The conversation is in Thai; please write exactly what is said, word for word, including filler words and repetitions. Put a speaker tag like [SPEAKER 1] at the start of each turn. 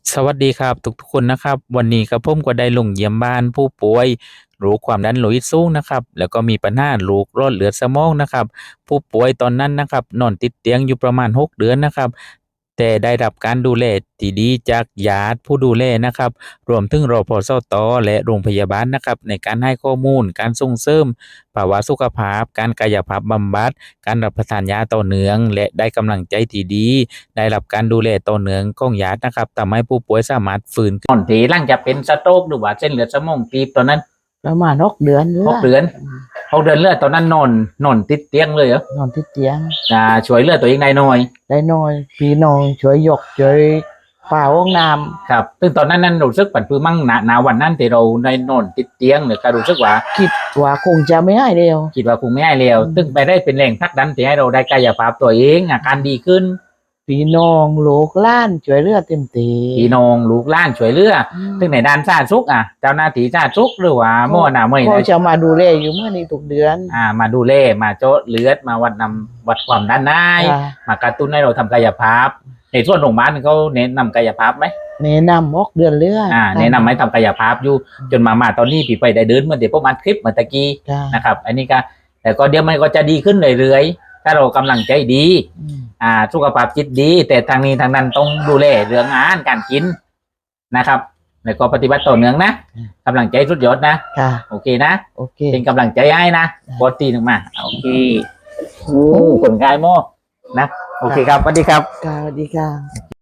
[SPEAKER 1] สวัสดีครับทุกทุกคนนะครับวันนี้ครับผมก็ได้ลงเยี่ยมบ้านผู้ป่วยโรคความดันโลหิตสูงนะครับแล้วก็มีปัญหาโรคหลอดเลือดสมองนะครับผู้ป่วยตอนนั้นนะครับนอนติดเตียงอยู่ประมาณหกเดือนนะครับแต่ได้รับการดูแลที่ดีจากญาติผู้ดูแลนะครับรวมถึงรพสตและโรงพยาบาลนะครับในการให้ข้อมูลการส่งเสริมภาวะสุขภาพการกายภาพบำบัดการรับประทานยาต่อเนื่องและได้กำลังใจที่ดี ได้รับการดูแลต่อเนื่องของญาตินะครับทำให้ผู้ป่วยสามารถฟื้นก่อนที่หลังจากเป็นสโตรกหรือว่าเส้นเลือดสมองตีบตอนนั้น
[SPEAKER 2] ประมาณหกเดือน
[SPEAKER 1] หกเดือนหกเดือนเลือดตอนนั้นนอนนอนติดเตียงเลยเหรอ
[SPEAKER 2] นอนที่เตียง
[SPEAKER 1] อ่าช่วยเลือดตัวเองได้หน่อย
[SPEAKER 2] ได้น้อยพี่น้องช่วยยกช่วยป่าห้องน้
[SPEAKER 1] ครับซึ่งตอนนั้นนั้นรู้สึกปั่นปื้มมั่งหนาหนาวันนั้นที่เราได้นอนติดเตียงหรือก็รู้สึกว่า
[SPEAKER 2] ำคิดว่าคงจะไม่ให้เร็ว
[SPEAKER 1] คิดว่าคงไม่ให้เร็วซึ่งไปได้เป็นแรงผลักดันที่ให้เราได้กายภาพตัวเองอาการดีขึ้น
[SPEAKER 2] พี่น้องลูกหล้านช่วยเหลือเต็มที่
[SPEAKER 1] พี่น้องลูกหล้านช่วยเหลือซึ่งในด้านสาธารณสุขอ่ะเจ้าหน้าที่สาธารณสุขหรือว่าหมอหน้าเมื่อย
[SPEAKER 2] เขา
[SPEAKER 1] นะ
[SPEAKER 2] จะมาดูแลอยู่เมื่อนี้ทุกเดือน
[SPEAKER 1] อ่ามาดูแลมาโจาะเลือดมาวัดนำวัดความดันได้มากระตุ้นให้เราทำกายภาพในส่วนโรงพยาบาลเขาเน้นนำกายภาพไหม
[SPEAKER 2] แนะนำหกเดือนเลือด
[SPEAKER 1] อ่าแนะนำให้ทำกายภาพอยู่จนมามาตอนนี้ปีไปได้เดินเมื่อเดี๋ยวประมาณคลิปเมื่อตะกี้นะครับอันนี้ก็แต่ก็เดี๋ยวมันก็จะดีขึ้นเรื่อยๆถ้าเรากำลังใจดีอ่าสุขภาพจิตดีแต่ทางนี้ทางนั้นต้องดูแลเรื่องอาหารการกินนะครับแล้วก็ปฏิบัติต่อเนื่องนะกำลังใจสุดยอดนะโอเคนะ
[SPEAKER 2] โอเค
[SPEAKER 1] เป็นกำลังใจให้นะบอสตีหนึ่งมาโอเคโอ้คนกายโมนะโอเคครับสวัสดีครับ
[SPEAKER 2] สวัสดีค่ะ